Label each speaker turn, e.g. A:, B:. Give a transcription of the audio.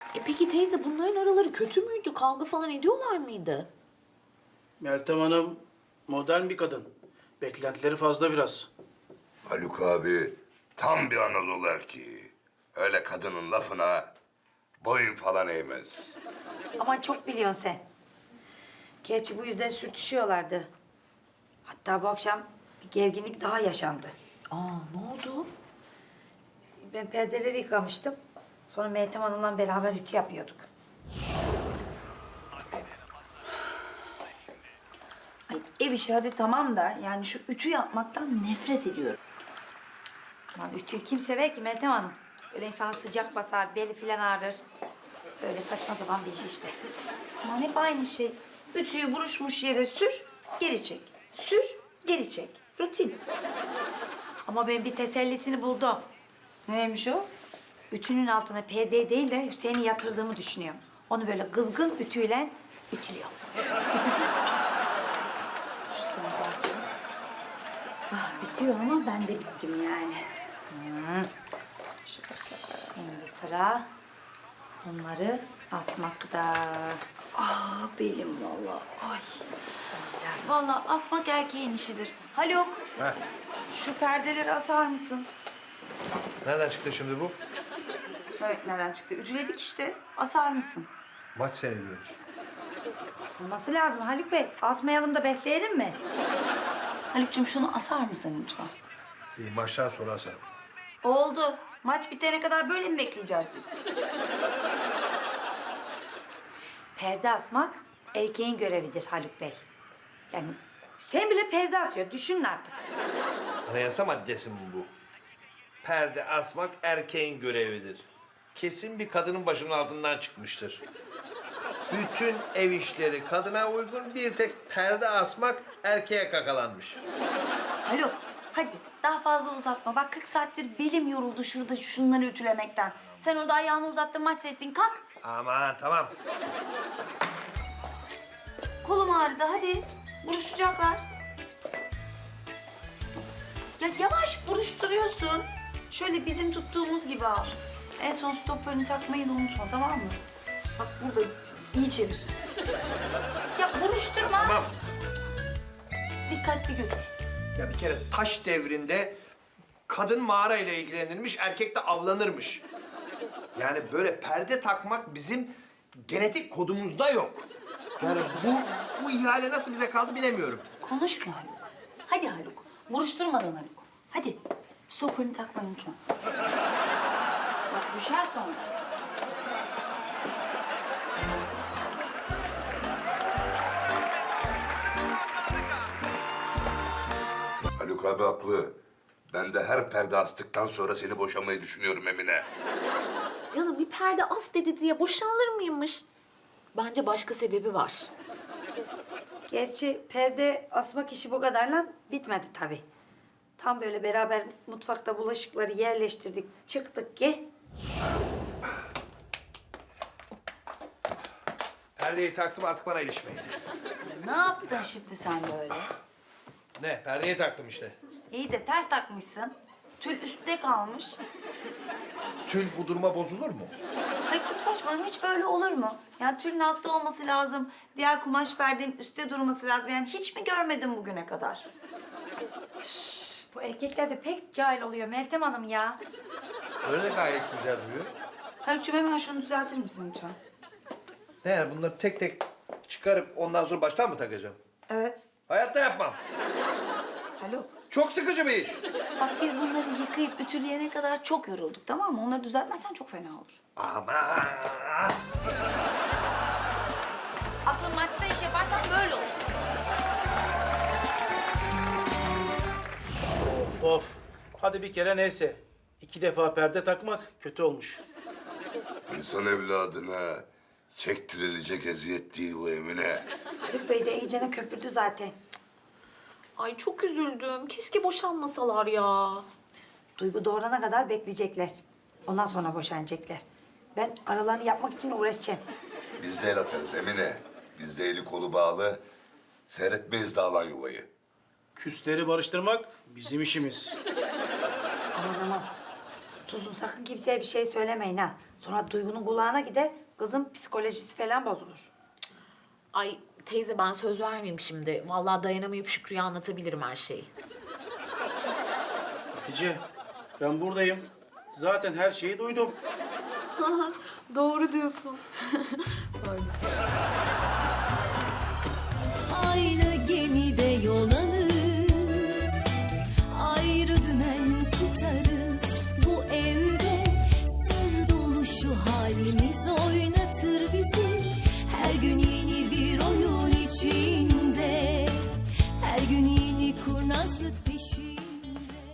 A: Peki teyze bunların araları kötü müydü? Kavga falan ediyorlar mıydı?
B: Meltem Hanım modern bir kadın. Beklentileri fazla biraz.
C: Haluk abi tam bir Anadolu erkeği. Öyle kadının lafına boyun falan eğmez.
D: Ama çok biliyorsun sen. Gerçi bu yüzden sürtüşüyorlardı. Hatta bu akşam bir gerginlik daha yaşandı.
A: Aa, ne oldu?
D: Ben perdeleri yıkamıştım. Sonra Meltem Hanım'la beraber ütü yapıyorduk.
E: Ay, ev işi hadi tamam da yani şu ütü yapmaktan nefret ediyorum.
D: Aman ütüyü kim sever ki Meltem Hanım? Böyle insana sıcak basar, beli filan ağrır. Böyle saçma sapan bir iş işte.
E: Aman hep aynı şey. Ütüyü buruşmuş yere sür, geri çek. Sür, geri çek. Rutin.
D: Ama ben bir tesellisini buldum.
E: Neymiş o?
D: Ütünün altına perdeyi değil de Hüseyin'i yatırdığımı düşünüyorum. Onu böyle kızgın ütüyle ütülüyor.
E: Şu sana parça. Ah bitiyor ama ben de bittim yani.
D: Şimdi sıra bunları asmakta.
E: Ah belim vallahi. Ay. Vallahi asmak erkeğin işidir. Haluk,
F: Heh.
E: şu perdeleri asar mısın?
F: Nereden çıktı şimdi bu?
E: Evet, nereden çıktı? Ütüledik işte. Asar mısın?
F: Maç seyrediyoruz.
D: Asılması lazım Haluk Bey. Asmayalım da besleyelim mi?
E: Haluk'cum şunu asar mısın lütfen?
F: İyi, maçtan sonra asarım.
E: Oldu. Maç bitene kadar böyle mi bekleyeceğiz biz?
D: Perde asmak erkeğin görevidir Haluk Bey. Yani sen bile perde asıyor. Düşünün artık.
F: Anayasa maddesi mi bu? Perde asmak erkeğin görevidir. Kesin bir kadının başının altından çıkmıştır. Bütün ev işleri kadına uygun, bir tek perde asmak erkeğe kakalanmış.
E: Haluk, hadi daha fazla uzatma. Bak 40 saattir belim yoruldu şurada şunları ütülemekten. Sen orada ayağını uzattın, maç seyrettin. Kalk.
F: Aman tamam.
E: Kolum ağrıdı, hadi. Buruşacaklar. Ya yavaş buruşturuyorsun. Şöyle bizim tuttuğumuz gibi al. En son stopörünü takmayı da unutma, tamam mı? Bak burada iyi çevir. Ya buruşturma.
F: Tamam.
E: Dikkatli götür.
F: Ya bir kere taş devrinde kadın mağara ile ilgilenirmiş, erkek de avlanırmış. Yani böyle perde takmak bizim genetik kodumuzda yok. Yani bu ihale nasıl bize kaldı bilemiyorum.
E: Konuşma Haluk. Hadi Haluk. Buruşturmadan Haluk. Hadi. Stopörünü takmayı unutma. Bak düşer sonra.
C: Haluk abi haklı. Ben de her perde astıktan sonra seni boşamayı düşünüyorum Emine.
A: Canım bir perde as dedi diye boşanılır mıymış? Bence başka sebebi var.
D: Gerçi perde asmak işi bu kadarla bitmedi tabii. Tam böyle beraber mutfakta bulaşıkları yerleştirdik, çıktık ki...
F: Perdeyi taktım, artık bana ilişmeyin.
E: Ne yaptın şimdi sen böyle?
F: Ne? Perdeyi taktım işte.
E: İyi de ters takmışsın. Tül üstte kalmış.
F: Tül bu duruma bozulur mu?
E: Hayır çok saçma. Hiç böyle olur mu? Yani tülün altta olması lazım. Diğer kumaş perdenin üstte durması lazım. Yani hiç mi görmedin bugüne kadar?
D: Bu erkekler de pek cahil oluyor Meltem Hanım ya.
F: Öyle de gayet güzel duruyor.
E: Haluk'cum hemen şunu düzeltir misin lütfen?
F: Ne yani bunları tek tek çıkarıp ondan sonra baştan mı takacağım?
E: Evet.
F: Hayatta yapmam.
E: Haluk.
F: Çok sıkıcı bir iş.
E: Bak biz bunları yıkayıp ütüleyene kadar çok yorulduk, tamam mı? Onları düzeltmezsen çok fena olur.
F: Aman.
E: Aklın maçta iş yaparsan böyle olur.
B: Of. Hadi bir kere neyse. 2 defa perde takmak kötü olmuş.
C: İnsan evladına çektirilecek eziyet değil bu Emine.
D: Haluk Bey de iyicene köpürdü zaten.
A: Ay çok üzüldüm. Keşke boşanmasalar ya.
D: Duygu doğurana kadar bekleyecekler. Ondan sonra boşanacaklar. Ben aralarını yapmak için uğraşacağım.
C: Biz de el atarız Emine. Biz de eli kolu bağlı. Seyretmeyiz dağılan yuvayı.
B: Küsleri barıştırmak bizim işimiz.
D: Aman aman. Susun sakın kimseye bir şey söylemeyin ha. Sonra Duygu'nun kulağına gider, kızın psikolojisi falan bozulur.
A: Ay teyze ben söz vermeyeyim şimdi. Vallahi dayanamayıp Şükrü'ye anlatabilirim her şeyi.
B: Hatice, ben buradayım. Zaten her şeyi duydum.
A: Doğru diyorsun.
G: Aynı gemide yol alır, ayrı dümen tutarız. Bu evde sır dolu şu halimiz.